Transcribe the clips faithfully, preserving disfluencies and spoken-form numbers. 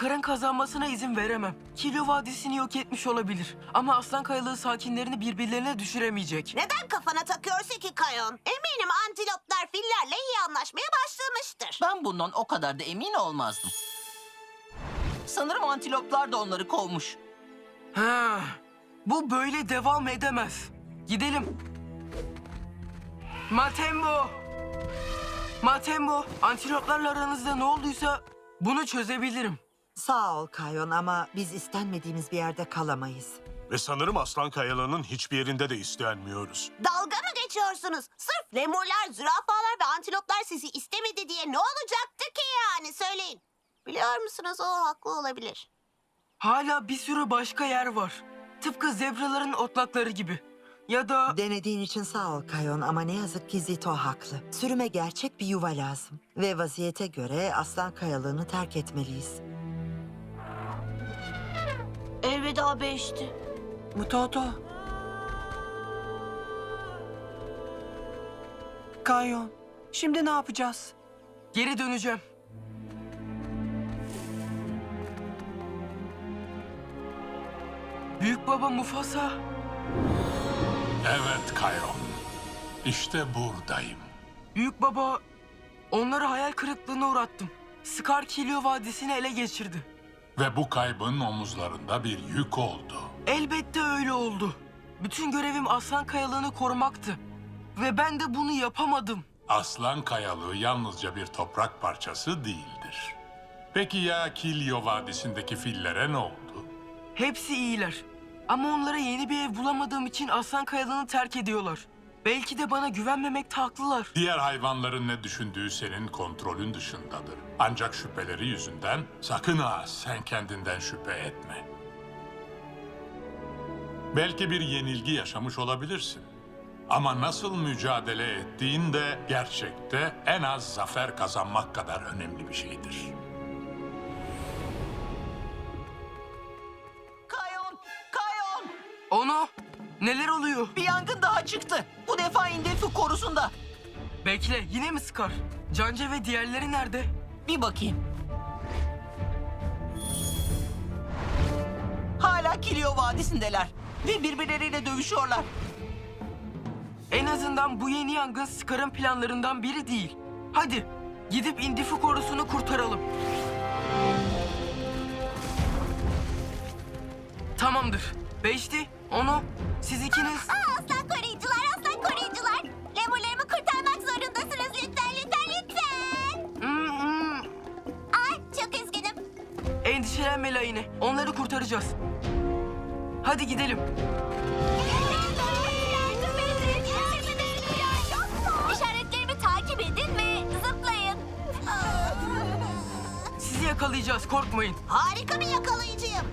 Scar'ın kazanmasına izin veremem. Kilyo Vadisi'ni yok etmiş olabilir. Ama Aslan Kayalığı sakinlerini birbirlerine düşüremeyecek. Neden kafana takıyorsun ki Kayon? Eminim antiloplar fillerle iyi anlaşmaya başlamıştır. Ben bundan o kadar da emin olmazdım. Sanırım antiloplar da onları kovmuş. Ha, bu böyle devam edemez. Gidelim. Matembo! Matembo, antiloplarla aranızda ne olduysa bunu çözebilirim. Sağ ol Kayon ama biz istenmediğimiz bir yerde kalamayız. Ve sanırım Aslan Kayalı'nın hiçbir yerinde de istenmiyoruz. Dalga mı geçiyorsunuz? Sırf lemurlar, zürafalar ve antiloplar sizi istemedi diye ne olacaktı ki yani söyleyin. Biliyor musunuz o haklı olabilir. Hala bir sürü başka yer var. Tıpkı zebraların otlakları gibi. Ya da... Denediğin için sağ ol Kayon ama ne yazık ki Zito haklı. Sürüme gerçek bir yuva lazım. Ve vaziyete göre Aslan Kayalığını terk etmeliyiz. Elveda beşti. Mutoto. Kayon, şimdi ne yapacağız? Geri döneceğim. Büyük baba Mufasa. Evet Kayon. İşte buradayım. Büyük baba, onları hayal kırıklığına uğrattım. Scar Kilyo Vadisi'ni ele geçirdi. Ve bu kaybın omuzlarında bir yük oldu. Elbette öyle oldu. Bütün görevim Aslan Kayalığını korumaktı. Ve ben de bunu yapamadım. Aslan Kayalığı yalnızca bir toprak parçası değildir. Peki ya Kilyo Vadisi'ndeki fillere ne oldu? Hepsi iyiler. Ama onlara yeni bir ev bulamadığım için Aslan Kayalığını terk ediyorlar. Belki de bana güvenmemekte haklılar. Diğer hayvanların ne düşündüğü senin kontrolün dışındadır. Ancak şüpheleri yüzünden sakın ha sen kendinden şüphe etme. Belki bir yenilgi yaşamış olabilirsin. Ama nasıl mücadele ettiğin de gerçekte en az zafer kazanmak kadar önemli bir şeydir. Kayon! Kayon! Onu, neler oluyor? Bir yangın daha çıktı. Bu defa Indefu korusunda. Bekle, yine mi Scar? Cance ve diğerleri nerede? Bir bakayım. Hala Kilyo Vadisi'ndeler. Ve birbirleriyle dövüşüyorlar. En azından bu yeni yangın Scar'ın planlarından biri değil. Hadi, gidip Indifu korusunu kurtaralım. Tamamdır. Beşti, onu, siz ikiniz... Aa, aslan koruyucular, aslan koruyucular. Lemurlarımı kurtarmak zorundasınız lütfen, lütfen, lütfen. Hmm, hmm. Ay, çok üzgünüm. Endişelenme Layne, onları kurtaracağız. Hadi gidelim. İşaretlerimi takip edin ve zıplayın. Sizi yakalayacağız, korkmayın. Harika bir yakalayıcıyım.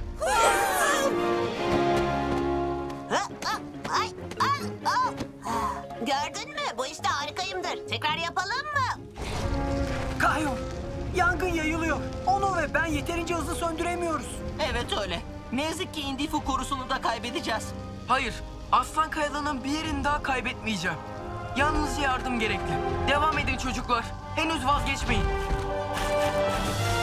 Ay, ay, ay. Gördün mü? Bu işte harikayımdır. Tekrar yapalım mı? Kayon, yangın yayılıyor. Onu ve ben yeterince hızlı söndüremiyoruz. Evet öyle. Ne yazık ki Indifu korusunu da kaybedeceğiz. Hayır, Aslan Kayalığı'nın bir yerini daha kaybetmeyeceğim. Yalnızca yardım gerekli. Devam edin çocuklar. Henüz vazgeçmeyin.